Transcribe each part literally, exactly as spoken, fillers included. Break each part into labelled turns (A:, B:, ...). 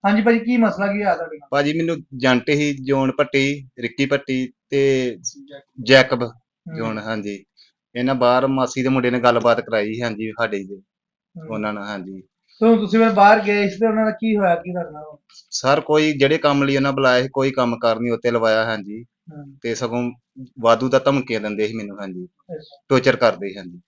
A: ਹਾਂਜੀ ਭਾਜੀ, ਕੀ ਮਸਲਾ ਕੀ ਆ ਤੁਹਾਡੇ ਨਾਲ?
B: ਭਾਜੀ ਮੈਨੂੰ ਜੰਟ ਹੀ ਜੋਨ ਭੱਟੀ, ਰਿੱਕੀ ਭੱਟੀ ਤੇ ਜੈਕਬ
A: ਹੂੰ,
B: ਜੋਨ, ਹਾਂਜੀ। ਇਹਨਾਂ ਬਾਹਰ ਮਾਸੀ ਦੇ ਮੁੰਡੇ ਨੇ ਗੱਲਬਾਤ ਕਰਾਈ ਸੀ, ਹਾਂਜੀ, ਸਾਡੇ ਜੀ
A: ਹੂੰ।
B: ਉਹਨਾਂ ਨਾਲ, ਹਾਂਜੀ।
A: ਤੇ ਹੁਣ ਤੁਸੀਂ ਫਿਰ ਬਾਹਰ ਗਏ ਸੀ ਤੇ ਉਹਨਾਂ ਦਾ ਕੀ ਹੋਇਆ ਕੀ ਤੁਹਾਡੇ ਨਾਲ?
B: ਸਰ ਕੋਈ ਜਿਹੜੇ ਕੰਮ ਲਈ ਉਹਨਾਂ ਬੁਲਾਇਆ ਸੀ ਕੋਈ ਕੰਮ ਕਾਰ ਨਹੀਂ ਉੱਤੇ ਲਵਾਇਆ, ਹਾਂਜੀ।
A: ਹੂੰ,
B: ਤੇ ਸਗੋਂ ਵਾਧੂ ਦਾ ਧਮਕੀਆਂ ਦਿੰਦੇ ਸੀ ਮੈਨੂੰ, ਹਾਂਜੀ।
A: ਅੱਛਾ।
B: ਟੋਰਚਰ ਕਰਦੇ ਸੀ, ਹਾਂਜੀ।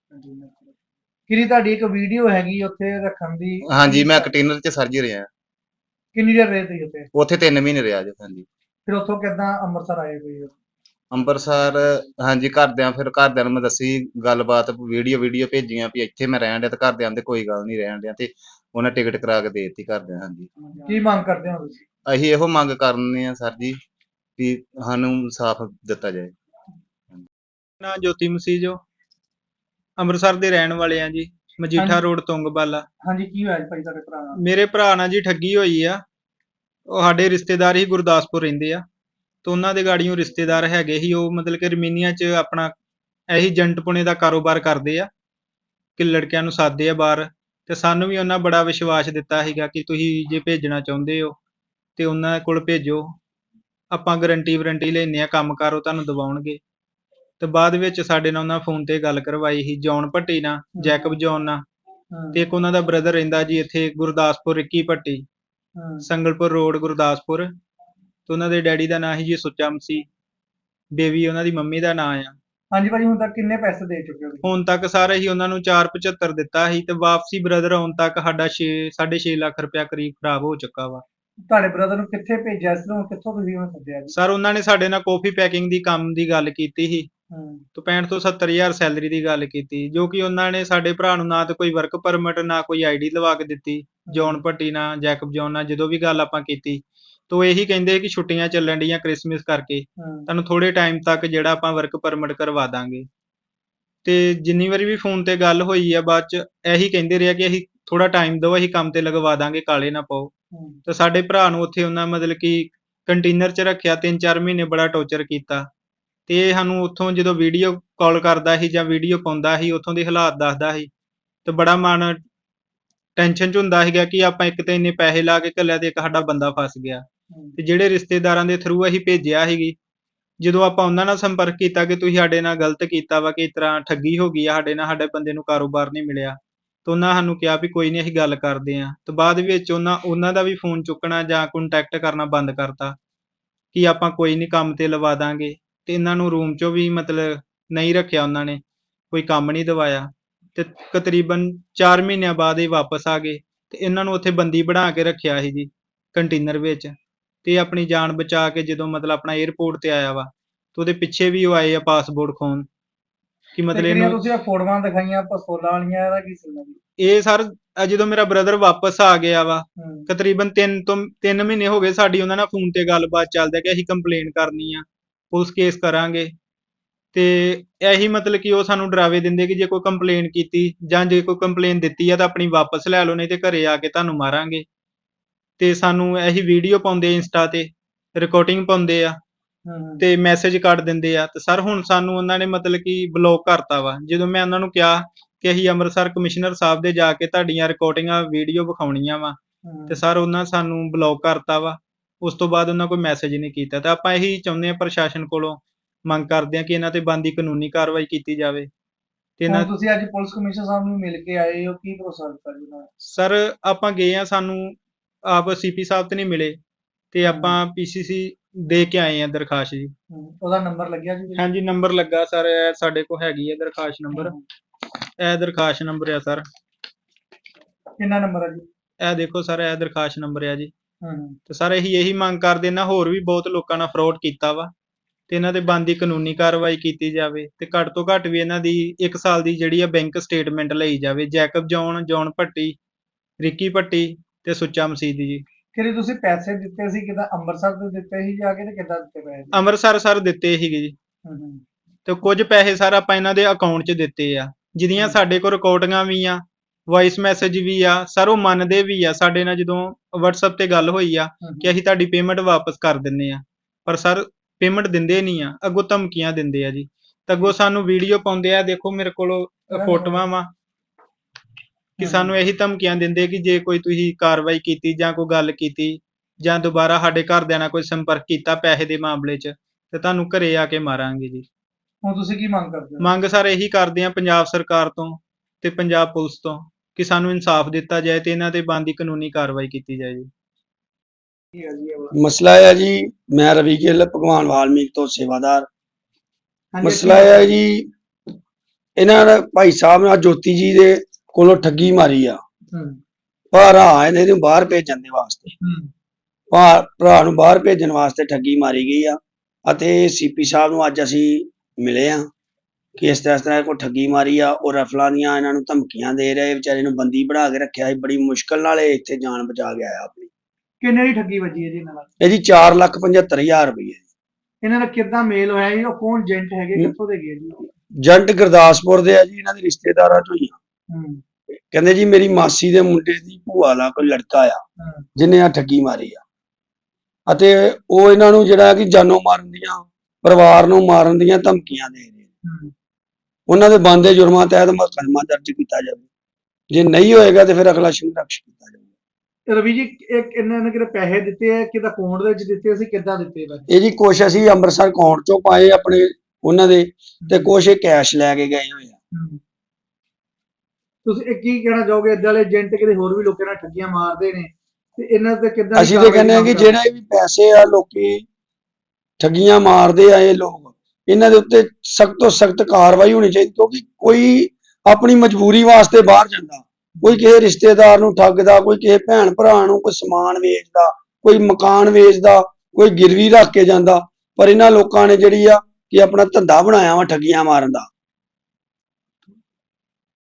A: ਕਿਹੜੀ ਤੁਹਾਡੀ ਇੱਕ ਵੀਡੀਓ ਹੈਗੀ ਉੱਥੇ ਰੱਖਣ ਦੀ,
B: ਹਾਂਜੀ
A: ਕੀ
B: ਮੈਂ
A: ਕਰ
B: ਕੰਟੇਨਰ 'ਚ ਸਰ ਜੀ ਰਿਹਾ,
A: ਕਿੰਨੀ ਦੇਰ ਰਹੇ ਤੁਸੀਂ ਉੱਥੇ?
B: ਉੱਥੇ ਤਿੰਨ ਮਹੀਨੇ ਰਿਹਾ ਜੀ, ਹਾਂਜੀ।
A: ਫਿਰ ਉੱਥੋਂ ਕਿੱਦਾਂ ਅੰਮ੍ਰਿਤਸਰ ਆਏ ਕੋਈ?
B: ਅੰਬਰਸਰ, ਹਾਂਜੀ, ਘਰਦਿਆਂ ਫਿਰ ਘਰਦਿਆਂ ਨੂੰ ਮੈਂ ਦੱਸੀ ਗੱਲਬਾਤ, ਵੀਡੀਓ ਵੀਡੀਓ ਭੇਜੀਆਂ ਵੀ ਇੱਥੇ ਮੈਂ ਰਹਿਣ ਡਿਆ, ਤੇ ਘਰਦਿਆਂ ਦੇ ਕੋਈ ਗੱਲ ਨਹੀਂ ਰਹਿਣ ਡਿਆ, ਤੇ ਉਹਨਾਂ ਟਿਕਟ ਕਰਾ ਕੇ ਦੇ ਦਿੱਤੀ ਘਰਦਿਆਂ, ਹਾਂਜੀ।
A: ਕੀ ਮੰਗ ਕਰਦੇ ਹੋ ਤੁਸੀਂ?
B: ਅਸੀਂ ਇਹੋ ਮੰਗ ਕਰਨੇ ਆ ਸਰ ਜੀ ਵੀ ਸਾਨੂੰ ਇਨਸਾਫ ਦਿੱਤਾ ਜਾਏ।
C: ਨਾ ਜੋਤੀ ਮਸੀਹ ਜੋ ਅੰਮ੍ਰਿਤਸਰ ਦੇ ਰਹਿਣ ਵਾਲੇ ਆ ਜੀ, ਮਜੀਠਾ
A: ਹਾਂਜੀ,
C: ਰੋਡ ਤੁੰਗਵਾਲਾ।
A: ਹਾਂਜੀ, ਕੀ ਹੋਇਆ ਜੀ ਭਾਈ ਤੁਹਾਡੇ ਭਰਾ ਨਾਲ?
C: ਮੇਰੇ ਭਰਾ ਨਾਲ ਜੀ ਠੱਗੀ ਹੋਈ ਆ। ਉਹ ਸਾਡੇ ਰਿਸ਼ਤੇਦਾਰ ਹੀ ਗੁਰਦਾਸਪੁਰ ਰਹਿੰਦੇ ਆ, ਤੇ ਉਹਨਾਂ ਦੇ ਗਾੜੀਆਂ ਰਿਸ਼ਤੇਦਾਰ ਹੈਗੇ ਹੀ, ਉਹ ਮਤਲਬ ਕਿ ਰਮੀਨੀਆ 'ਚ ਆਪਣਾ ਇਹੀ ਏਜੰਟ-ਪੁਣੇ ਦਾ ਕਾਰੋਬਾਰ ਕਰਦੇ ਆ ਕਿ ਲੜਕਿਆਂ ਨੂੰ ਸਾਦੇ ਆ ਬਾਹਰ। ਤੇ ਸਾਨੂੰ ਵੀ ਉਹਨਾਂ ਬੜਾ ਵਿਸ਼ਵਾਸ ਦਿੱਤਾ ਸੀਗਾ ਕਿ ਤੁਸੀਂ ਜੇ ਭੇਜਣਾ ਚਾਹੁੰਦੇ ਹੋ ਤੇ ਉਹਨਾਂ ਕੋਲ ਭੇਜੋ, ਆਪਾਂ ਗਰੰਟੀ ਵਾਰੰਟੀ ਲੈਂਦੇ ਆ, ਕੰਮ ਕਾਰ ਉਹ ਤੁਹਾਨੂੰ ਦਿਵਾਉਣਗੇ। ਤੇ ਬਾਅਦ ਵਿੱਚ ਸਾਡੇ ਨਾਲ ਉਹਨਾਂ ਫੋਨ ਤੇ ਗੱਲ ਕਰਵਾਈ ਸੀ ਜੌਨ ਭੱਟੀ ਨਾਲ,
A: ਹੂੰ,
C: ਜੈਕਬ ਜੌਨ ਨਾਲ,
A: ਹੂੰ,
C: ਤੇ ਇੱਕ ਉਹਨਾਂ ਦਾ ਬ੍ਰਦਰ ਰਹਿੰਦਾ ਜੀ ਇੱਥੇ ਗੁਰਦਾਸਪੁਰ, ਰਿੱਕੀ ਭੱਟੀ,
A: ਹੂੰ।
C: ਸੰਗਲਪੁਰ ਰੋਡ, ਗੁਰਦਾਸਪੁਰ। ਤੇ ਉਹਨਾਂ ਦੇ ਡੈਡੀ ਦਾ ਨਾਂ ਸੀ ਜੀ ਸੁੱਚਾ ਮਸੀਹ, ਬੇਬੀ ਉਹਨਾਂ ਦੀ ਮੰਮੀ ਦਾ ਨਾਂ ਆ।
A: ਹਾਂਜੀ ਭਾਜੀ, ਹੁਣ ਤੱਕ ਕਿੰਨੇ ਪੈਸੇ ਦੇ ਚੁੱਕੇ ਹੋ ਤੁਸੀਂ?
C: ਹੁਣ ਤੱਕ ਸਾਰੇ ਹੀ ਉਹਨਾਂ ਨੂੰ ਚਾਰ ਪਝੱਤਰ ਦਿੱਤਾ ਸੀ, ਤੇ ਵਾਪਸੀ ਬ੍ਰਦਰ ਆਉਣ ਤੱਕ ਸਾਡਾ ਛੇ ਸਾਢੇ ਛੇ ਲੱਖ ਰੁਪਇਆ ਕਰੀਬ ਖਰਾਬ ਹੋ ਚੁੱਕਾ ਵਾ।
A: ਤੁਹਾਡੇ ਬ੍ਰਦਰ ਨੂੰ ਕਿੱਥੇ ਭੇਜਿਆ ਸੀ ਤੇ ਹੁਣ ਕਿੱਥੋਂ ਤੁਸੀਂ ਉਹਨੂੰ ਸੱਦਿਆ ਜੀ?
C: ਸਰ ਉਹਨਾਂ ਨੇ ਸਾਡੇ ਨਾਲ ਕਾਫੀ ਪੈਕਿੰਗ ਦੀ ਕੰਮ ਦੀ ਗੱਲ ਕੀਤੀ ਸੀ,
A: ਹੂੰ,
C: ਤੇ ਪੈਂਹਠ ਤੋਂ ਸੱਤਰ ਹਜ਼ਾਰ ਸੈਲਰੀ ਦੀ ਗੱਲ ਕੀਤੀ, ਜੋ ਕਿ ਉਹਨਾਂ ਨੇ ਸਾਡੇ ਭਰਾ ਨੂੰ ਨਾ ਤਾਂ ਕੋਈ ਵਰਕ ਪਰਮਿਟ, ਨਾ ਕੋਈ ਆਈ ਡੀ ਲਵਾ ਕੇ ਦਿੱਤੀ। ਜੌਨ
A: ਹੂੰ,
C: ਭੱਟੀ ਨਾਲ, ਜੈਕਬ ਜੌਨ ਨਾਲ ਜਦੋਂ ਵੀ ਗੱਲ ਆਪਾਂ ਕੀਤੀ, ਤਾਂ ਇਹੀ ਕਹਿੰਦੇ ਕਿ ਛੁੱਟੀਆਂ ਚੱਲਣ ਡੀਆਂ ਕ੍ਰਿਸਮਸ ਕਰਕੇ,
A: ਹੂੰ,
C: ਤੁਹਾਨੂੰ ਥੋੜੇ ਟਾਈਮ ਤੱਕ ਜਿਹੜਾ ਆਪਾਂ ਵਰਕ ਪਰਮਿਟ ਕਰਵਾ ਦਾਂਗੇ। ਤੇ ਜਿੰਨੀ ਵਾਰੀ ਵੀ ਫੋਨ ਤੇ ਗੱਲ ਹੋਈ ਆ, ਬਾਅਦ ਚ ਇਹੀ ਕਹਿੰਦੇ ਰਿਹਾ ਕਿ ਅਸੀਂ ਥੋੜਾ ਟਾਈਮ ਦਿਓ, ਅਸੀਂ ਕੰਮ ਤੇ ਲਗਵਾ ਦਾਂਗੇ, ਕਾਲੇ ਨਾ ਪਾਓ।
A: ਹੂੰ।
C: ਤੇ ਸਾਡੇ ਭਰਾ ਨੂੰ ਉੱਥੇ ਉਹਨਾਂ ਮਤਲਬ ਕਿ ਕੰਟੇਨਰ 'ਚ ਰੱਖਿਆ, ਤਿੰਨ ਚਾਰ ਮਹੀਨੇ ਬੜਾ ਟੌਰਚਰ ਕੀਤਾ। ਤੇ ਇਹ ਸਾਨੂੰ ਉੱਥੋਂ ਜਦੋਂ ਵੀਡੀਓ ਕਾਲ ਕਰਦਾ ਸੀ ਜਾਂ ਵੀਡੀਓ ਪਾਉਂਦਾ ਸੀ, ਉੱਥੋਂ ਦੇ ਹਾਲਾਤ ਦੱਸਦਾ ਸੀ, ਤੇ ਬੜਾ ਮਨ ਟੈਨਸ਼ਨ 'ਚ ਹੁੰਦਾ ਸੀਗਾ ਕਿ ਆਪਾਂ ਇੱਕ ਤਾਂ ਇੰਨੇ ਪੈਸੇ ਲਾ ਕੇ ਘੱਲਿਆ, ਤੇ ਇੱਕ ਸਾਡਾ ਬੰਦਾ ਫਸ ਗਿਆ।
A: ਹੂੰ।
C: ਤੇ ਜਿਹੜੇ ਰਿਸ਼ਤੇਦਾਰਾਂ ਦੇ ਥਰੂ ਅਸੀਂ ਭੇਜਿਆ ਸੀਗੀ, ਜਦੋਂ ਆਪਾਂ ਉਹਨਾਂ ਨਾਲ ਸੰਪਰਕ ਕੀਤਾ ਕਿ ਤੁਸੀਂ ਸਾਡੇ ਨਾਲ ਗਲਤ ਕੀਤਾ ਵਾ, ਕਿ ਇਸ ਤਰ੍ਹਾਂ ਠੱਗੀ ਹੋ ਗਈ ਆ ਸਾਡੇ ਨਾਲ, ਸਾਡੇ ਬੰਦੇ ਨੂੰ ਕਾਰੋਬਾਰ ਨਹੀਂ ਮਿਲਿਆ, ਤੇ ਉਹਨਾਂ ਸਾਨੂੰ ਕਿਹਾ ਵੀ ਕੋਈ ਨਹੀਂ, ਅਸੀਂ ਗੱਲ ਕਰਦੇ ਹਾਂ। ਤੇ ਬਾਅਦ ਵਿੱਚ ਉਹਨਾਂ ਉਹਨਾਂ ਦਾ ਵੀ ਫੋਨ ਚੁੱਕਣਾ ਜਾਂ ਕੰਟੈਕਟ ਕਰਨਾ ਬੰਦ ਕਰਤਾ ਕਿ ਆਪਾਂ ਕੋਈ ਨਹੀਂ, ਕੰਮ ਤੇ ਲਵਾ ਦਾਂਗੇ। ਤੇ ਇਹਨਾਂ ਨੂੰ ਰੂਮ 'ਚੋਂ ਵੀ ਮਤਲਬ ਨਹੀਂ ਰੱਖਿਆ ਉਹਨਾਂ ਨੇ, ਕੋਈ ਕੰਮ ਨਹੀਂ ਦਿਵਾਇਆ। ਤੇ ਤਕਰੀਬਨ ਚਾਰ ਮਹੀਨਿਆਂ ਬਾਅਦ ਇਹ ਵਾਪਸ ਆ ਗਏ, ਤੇ ਇਹਨਾਂ ਨੂੰ ਉੱਥੇ ਬੰਦੀ ਬਣਾ ਕੇ ਰੱਖਿਆ ਸੀ ਜੀ ਕੰਟੇਨਰ ਵਿੱਚ। ਤੇ ਆਪਣੀ ਜਾਨ ਬਚਾ ਕੇ ਜਦੋਂ ਮਤਲਬ ਆਪਣਾ 에ਅਰਪੋਰਟ ਤੇ ਆਇਆ ਵਾ, ਤੇ ਉਹਦੇ ਪਿੱਛੇ ਵੀ ਉਹ ਆਏ ਆ ਪਾਸਪੋਰਟ ਖੋਣ ਕਿ
A: ਤੇ
C: ਮਤਲਬ
A: ਕਿਹੜੀਆਂ
C: ਇਹਨੂੰ।
A: ਤੁਸੀਂ ਇਹ ਫੋਟੋਆਂ ਦਿਖਾਈਆਂ ਪਿਸਤੌਲਾਂ ਵਾਲੀਆਂ, ਇਹਦਾ ਕੀ ਸੀਗਾ ਜੀ?
C: ਇਹ ਸਰ ਅਹ ਜਦੋਂ ਮੇਰਾ ਬ੍ਰਦਰ ਵਾਪਸ ਆ ਗਿਆ ਵਾ,
A: ਹੂੰ,
C: ਤਕਰੀਬਨ ਤਿੰਨ ਤੋਂ ਤਿੰਨ ਮਹੀਨੇ ਹੋ ਗਏ ਸਾਡੀ ਉਹਨਾਂ ਨਾਲ ਫੋਨ ਤੇ ਗੱਲਬਾਤ ਚੱਲਦੀ ਕਿ ਅਸੀਂ ਕੰਪਲੇਨ ਕਰਨੀ ਆ, ਪੁਲਿਸ ਕੇਸ ਕਰਾਂਗੇ। ਤੇ ਇਹੀ ਮਤਲਬ ਕਿ ਉਹ ਸਾਨੂੰ ਡਰਾਵੇ ਦਿੰਦੇ ਕਿ ਜੇ ਕੋਈ ਕੰਪਲੇਨ ਕੀਤੀ ਜਾਂ ਜੇ ਕੋਈ ਕੰਪਲੇਨ ਦਿੱਤੀ ਆ ਤਾਂ ਆਪਣੀ ਵਾਪਸ ਲੈ ਲਓ, ਨਹੀਂ ਤੇ ਘਰੇ ਆ ਕੇ ਤੁਹਾਨੂੰ ਮਾਰਾਂਗੇ। ਤੇ ਸਾਨੂੰ ਇਹੀ ਵੀਡੀਓ ਪਾਉਂਦੇ ਇੰਸਟਾ ਤੇ, ਰਿਕਾਰਡਿੰਗ ਪਾਉਂਦੇ ਆ,
A: ਹੂੰ,
C: ਤੇ ਮੈਸੇਜ ਕੱਢ ਦਿੰਦੇ ਆ। ਤੇ ਸਰ ਹੁਣ ਸਾਨੂੰ ਉਹਨਾਂ ਨੇ ਮਤਲਬ ਕਿ ਬਲੌਕ ਕਰਤਾ ਵਾ। ਜਦੋਂ ਮੈਂ ਉਹਨਾਂ ਨੂੰ ਕਿਹਾ ਕਿ ਅਸੀਂ ਅੰਮ੍ਰਿਤਸਰ ਕਮਿਸ਼ਨਰ ਸਾਹਿਬ ਦੇ ਜਾ ਕੇ ਤੁਹਾਡੀਆਂ ਰਿਕਾਰਡਿੰਗਾਂ ਵੀਡੀਓ ਵਿਖਾਉਣੀਆਂ ਵਾ, ਤੇ
A: ਹੂੰ।
C: ਸਰ ਉਹਨਾਂ ਸਾਨੂੰ ਬਲੌਕ ਕਰਤਾ ਵਾ। ਉਸ ਤੋਂ ਬਾਅਦ ਉਹਨਾਂ ਕੋਈ ਮੈਸੇਜ ਨਹੀਂ ਕੀਤਾ। ਤੇ ਆਪਾਂ ਇਹੀ ਚਾਹੁੰਦੇ ਹਾਂ ਪ੍ਰਸ਼ਾਸਨ ਕੋਲੋਂ, ਮੰਗ ਕਰਦੇ ਹਾਂ ਕਿ ਇਹਨਾਂ ਤੇ ਬਣਦੀ ਕਾਨੂੰਨੀ ਕਾਰਵਾਈ ਕੀਤੀ ਜਾਵੇ। ਤੇ ਇਹਨਾਂ
A: ਹੁਣ ਤੁਸੀਂ ਅੱਜ ਪੁਲਿਸ ਕਮਿਸ਼ਨਰ ਸਾਹਿਬ ਨੂੰ ਮਿਲ ਕੇ ਆਏ ਹੋ, ਕੀ ਭਰੋਸਾ ਦਿੱਤਾ ਜੀ ਉਹਨਾਂ ਨੇ?
C: ਸਰ ਆਪਾਂ ਗਏ ਆ, ਸਾਨੂੰ ਆਪ ਸੀਪੀ ਸਾਹਿਬ ਤੇ ਨਹੀਂ ਮਿਲੇ, ਤੇ
A: ਹੂੰ,
C: ਆਪਾਂ ਪੀਸੀਸੀ ਦੇ ਕੇ ਆਏ ਆ ਦਰਖਾਸਤ ਜੀ।
A: ਹੂੰ। ਉਹਦਾ ਨੰਬਰ ਲੱਗਿਆ ਜੀ ਕੋਈ?
C: ਹਾਂਜੀ ਨੰਬਰ ਲੱਗਾ ਸਰ, ਇਹ ਸਾਡੇ ਕੋਲ ਹੈਗੀ ਹੈ ਦਰਖਾਸਤ ਨੰਬਰ।
A: ਹੂੰ।
C: ਇਹ ਦਰਖਾਸਤ ਨੰਬਰ ਆ ਸਰ,
A: ਕਿੰਨਾ ਨੰਬਰ ਹੈ ਜੀ?
C: ਇਹ ਦੇਖੋ ਸਰ, ਇਹ ਦਰਖਾਸਤ ਨੰਬਰ ਆ ਜੀ।
A: ਹੂੰ,
C: ਤੇ ਸਰ ਇਹੀ ਇਹੀ ਮੰਗ ਕਰਦੇ ਨਾ, ਹੋਰ ਵੀ ਬਹੁਤ ਲੋਕਾਂ ਨਾਲ ਫਰੋਡ ਕੀਤਾ ਵਾ, ਤੇ ਇਹਨਾਂ ਤੇ ਬਣਦੀ ਕਾਨੂੰਨੀ ਕਾਰਵਾਈ ਕੀਤੀ ਜਾਵੇ। ਤੇ ਘੱਟ ਤੋਂ ਘੱਟ ਵੀ ਇਹਨਾਂ ਦੀ ਇੱਕ ਸਾਲ ਦੀ ਜਿਹੜੀ ਆ ਬੈਂਕ ਸਟੇਟਮੈਂਟ ਲਈ ਜਾਵੇ। Jacob John, John Bhatti, Ricky Bhatti ਤੇ ਸੁੱਚਾ ਮਸੀਹ ਦੀ ਜੀ।
A: ਕਿਹੜੇ ਤੁਸੀਂ ਪੈਸੇ ਦਿੱਤੇ ਸੀ, ਕਿੱਦਾਂ ਅੰਮ੍ਰਿਤਸਰ ਤੋਂ ਦਿੱਤੇ ਸੀ ਜਾ ਕੇ, ਤੇ ਕਿੱਦਾਂ ਦਿੱਤੇ ਪੈਸੇ ਜੀ?
C: ਅੰਮ੍ਰਿਤਸਰ ਸਰ ਦਿੱਤੇ ਸੀਗੇ ਜੀ,
A: ਹੂੰ, ਹੂੰ,
C: ਤੇ ਕੁਝ ਪੈਸੇ ਸਰ ਆਪਾਂ ਇਹਨਾਂ ਦੇ ਅਕਾਊਂਟ 'ਚ ਦਿੱਤੇ ਆ, ਜਿਹਦੀਆਂ
A: ਹੂੰ,
C: ਸਾਡੇ ਕੋਲ ਰਿਕਾਰਡਿੰਗਾਂ ਵੀ ਆ, ਵੌਇਸ ਮੈਸੇਜ ਵੀ ਆ। ਸਰ ਉਹ ਮੰਨਦੇ ਵੀ ਆ, ਸਾਡੇ ਨਾਲ ਜਦੋਂ ਵਟਸਐਪ ਤੇ ਗੱਲ ਹੋਈ ਆ
A: ਹੂੰ,
C: ਕਿ
A: ਹੂੰ।
C: ਅਸੀਂ ਤੁਹਾਡੀ ਪੇਮੈਂਟ ਵਾਪਸ ਕਰ ਦਿੰਦੇ ਆ, ਪਰ ਸਰ ਪੇਮੈਂਟ ਦਿੰਦੇ ਨਹੀਂ ਆ, ਅੱਗੋਂ ਧਮਕੀਆਂ ਦਿੰਦੇ ਆ ਜੀ। ਤੇ ਅੱਗੋਂ ਸਾਨੂੰ ਵੀਡੀਓ ਪਾਉਂਦੇ ਆ, ਦੇਖੋ ਮੇਰੇ ਕੋਲ
A: ਕਿਹੜਾ ਨੰਬਰ ਹੈ?
C: ਫੋਟੋਆਂ ਵਾ ਕਿ
A: ਹਮ।
C: ਸਾਨੂੰ ਇਹੀ ਧਮਕੀਆਂ ਦਿੰਦੇ ਕਿ ਜੇ ਕੋਈ ਤੁਸੀਂ ਕਾਰਵਾਈ ਕੀਤੀ ਜਾਂ ਕੋਈ ਗੱਲ ਕੀਤੀ ਜਾਂ ਦੁਬਾਰਾ ਸਾਡੇ ਘਰਦਿਆਂ ਨਾਲ ਕੋਈ ਸੰਪਰਕ ਕੀਤਾ ਪੈਸੇ ਦੇ ਮਾਮਲੇ 'ਚ ਤੇ ਤੁਹਾਨੂੰ ਘਰੇ ਆ ਕੇ ਮਾਰਾਂਗੇ ਜੀ।
A: ਹੁਣ ਤੁਸੀਂ ਕੀ ਮੰਗ ਕਰਦੇ ਹੋ?
C: ਮੰਗ ਸਰ ਇਹੀ ਕਰਦੇ ਆ ਪੰਜਾਬ ਸਰਕਾਰ ਤੋਂ ਤੇ ਪੰਜਾਬ ਪੁਲਿਸ ਤੋਂ ਕਿ ਸਾਨੂੰ ਇਨਸਾਫ ਦਿੱਤਾ ਜਾਏ ਤੇ ਇਹਨਾਂ ਤੇ ਬਣਦੀ ਕਾਨੂੰਨੀ ਕਾਰਵਾਈ ਕੀਤੀ ਜਾਏ ਜੀ।
A: ਕੀ ਹੈ ਜੀ ਇਹ ਵਾਲਾ?
D: ਮਸਲਾ ਇਹ ਹੈ ਜੀ, ਮੈਂ ਰਵੀ ਗਿੱਲ ਭਗਵਾਨ ਵਾਲਮੀਕ ਤੋਂ ਸੇਵਾਦਾਰ।
A: ਹਾਂਜੀ,
D: ਮਸਲਾ
A: ਕੀ
D: ਇਹ ਹੈ
A: ਮਸਲਾ?
D: ਜੀ, ਇਹਨਾਂ ਨੇ ਭਾਈ ਸਾਹਿਬ ਨੇ ਜੋਤੀ ਜੀ ਦੇ ਕੋਲੋਂ ਠੱਗੀ ਮਾਰੀ ਆ।
A: ਹੂੰ
D: ਭਰਾ ਆਏ ਨੇ ਇਹਨੂੰ ਬਾਹਰ ਭੇਜਣ ਦੇ ਵਾਸਤੇ,
A: ਹੂੰ
D: ਭਾ- ਭਰਾ ਨੂੰ ਬਾਹਰ ਭੇਜਣ ਵਾਸਤੇ ਠੱਗੀ ਮਾਰੀ ਗਈ ਆ। ਅਤੇ ਸੀਪੀ ਸਾਹਿਬ ਨੂੰ ਅੱਜ ਅਸੀਂ ਮਿਲੇ ਆ ਕਿ ਇਸ ਤਰ੍ਹਾਂ ਇਸ ਤਰ੍ਹਾਂ ਕੋਈ ਠੱਗੀ ਮਾਰੀ ਆ। ਉਹ ਰਫਲਾਂ ਦੀਆਂ ਇਹਨਾਂ ਨੂੰ ਧਮਕੀਆਂ ਦੇ ਰਹੇ, ਵਿਚਾਰੇ ਨੂੰ ਬੰਦੀ ਬਣਾ ਕੇ ਰੱਖਿਆ ਸੀ। ਬੜੀ ਮੁਸ਼ਕਲ ਨਾਲ ਇਹ ਇੱਥੇ ਜਾਨ ਬਚਾ ਕੇ ਆਇਆ ਆਪਣੀ।
A: ਕਿੰਨੇ ਦੀ ਠੱਗੀ ਵੱਜੀ ਹੈ ਜੀ ਇਹਨਾਂ ਨਾਲ?
D: ਇਹ ਜੀ ਚਾਰ ਲੱਖ ਪਝੱਤਰ ਹਜ਼ਾਰ ਰੁਪਏ।
A: ਇਹਨਾਂ ਦਾ ਕਿੱਦਾਂ ਮੇਲ ਹੋਇਆ ਜੀ? ਉਹ ਕੌਣ ਏਜੰਟ ਹੈਗੇ, ਕਿੱਥੋਂ ਦੇ ਗਏ ਜੀ?
D: ਜੰਟ ਗੁਰਦਾਸਪੁਰ ਦੇ ਆ ਜੀ, ਇਹਨਾਂ ਦੇ ਰਿਸ਼ਤੇਦਾਰਾਂ ਚੋਂ ਹੀ ਆ।
A: ਹੂੰ
D: ਕਹਿੰਦੇ ਜੀ ਮੇਰੀ ਮਾਸੀ ਦੇ ਮੁੰਡੇ ਦੀ ਭੂਆ ਦਾ ਕੋਈ ਲੜਕਾ ਆ
A: ਹੂੰ
D: ਜਿਹਨੇ ਆ ਠੱਗੀ ਮਾਰੀ ਆ। ਅਤੇ ਉਹ ਇਹਨਾਂ ਨੂੰ ਜਿਹੜਾ ਕਿ ਜਾਨੋਂ ਮਾਰਨ ਦੀਆਂ, ਪਰਿਵਾਰ ਨੂੰ ਮਾਰਨ ਦੀਆਂ ਧਮਕੀਆਂ ਦੇ ਰਹੇ।
A: ਹੂੰ
D: ਉਹਨਾਂ ਦੇ ਬਣਦੇ ਜੁਰਮਾਂ ਤਹਿਤ ਮੁਕੱਦਮਾ ਦਰਜ ਕੀਤਾ ਜਾਵੇ। ਜੇ ਨਹੀਂ ਹੋਏਗਾ ਤੇ ਫਿਰ ਅਗਲਾ ਸੰਘਰਸ਼ ਕੀਤਾ ਜਾਵੇ।
A: ਰਵੀ ਜੀ, ਇੱਕ ਇਹਨਾਂ ਨੇ ਕਿਹੜੇ ਪੈਸੇ ਦਿੱਤੇ ਆ, ਕਿਹਦਾ ਅਕਾਊਂਟ ਦੇ ਵਿੱਚ ਦਿੱਤੇ ਸੀ, ਕਿੱਦਾਂ ਦਿੱਤੇ ਬਸ?
D: ਇਹ ਜੀ ਕੁਛ ਅਸੀਂ ਅੰਮ੍ਰਿਤਸਰ ਅਕਾਊਂਟ ਚੋਂ ਪਾਏ ਆਪਣੇ ਉਹਨਾਂ ਦੇ, ਤੇ ਕੁਛ ਇਹ ਕੈਸ਼ ਲੈ ਕੇ ਗਏ ਹੋਏ ਆ।
A: ਹੂੰ। ਤੁਸੀਂ ਇਹ ਕੀ ਕਹਿਣਾ ਚਾਹੋਗੇ? ਏਦਾਂ ਵਾਲੇ ਏਜੰਟ ਕਿਤੇ ਹੋਰ ਵੀ ਲੋਕਾਂ ਨਾਲ ਠੱਗੀਆਂ ਮਾਰਦੇ ਨੇ ਤੇ ਇਹਨਾਂ ਤੇ ਕਿੱਦਾਂ ਦੀ
D: ਅਸੀਂ ਤੇ
A: ਕਾਰਵਾਈ
D: ਕਹਿੰਦੇ ਆ ਕਿ
A: ਮੰਗ ਕਰਦੇ?
D: ਜਿਹੜੇ ਵੀ ਪੈਸੇ ਆ ਲੋਕੀ ਠੱਗੀਆਂ ਮਾਰਦੇ ਆ ਇਹ ਲੋਕ, ਇਹਨਾਂ ਦੇ ਉੱਤੇ ਸਖਤ ਤੋਂ ਸਖਤ ਕਾਰਵਾਈ ਹੋਣੀ ਚਾਹੀਦੀ। ਕਿਉਂਕਿ ਕੋਈ ਆਪਣੀ ਮਜਬੂਰੀ ਵਾਸਤੇ ਬਾਹਰ ਜਾਂਦਾ, ਕੋਈ ਕਿਸੇ ਰਿਸ਼ਤੇਦਾਰ ਨੂੰ ਠੱਗਦਾ, ਕੋਈ ਕਿਸੇ ਭੈਣ ਭਰਾ ਨੂੰ ਕੋਈ ਸਮਾਨ ਵੇਚਦਾ, ਕੋਈ ਮਕਾਨ ਵੇਚਦਾ, ਕੋਈ ਗਿਰਵੀ ਰੱਖ ਕੇ ਜਾਂਦਾ। ਪਰ ਇਹਨਾਂ ਲੋਕਾਂ ਨੇ ਜਿਹੜੀ ਆ ਕਿ ਆਪਣਾ ਧੰਦਾ ਬਣਾਇਆ ਵਾ ਠੱਗੀਆਂ ਮਾਰਨ ਦਾ।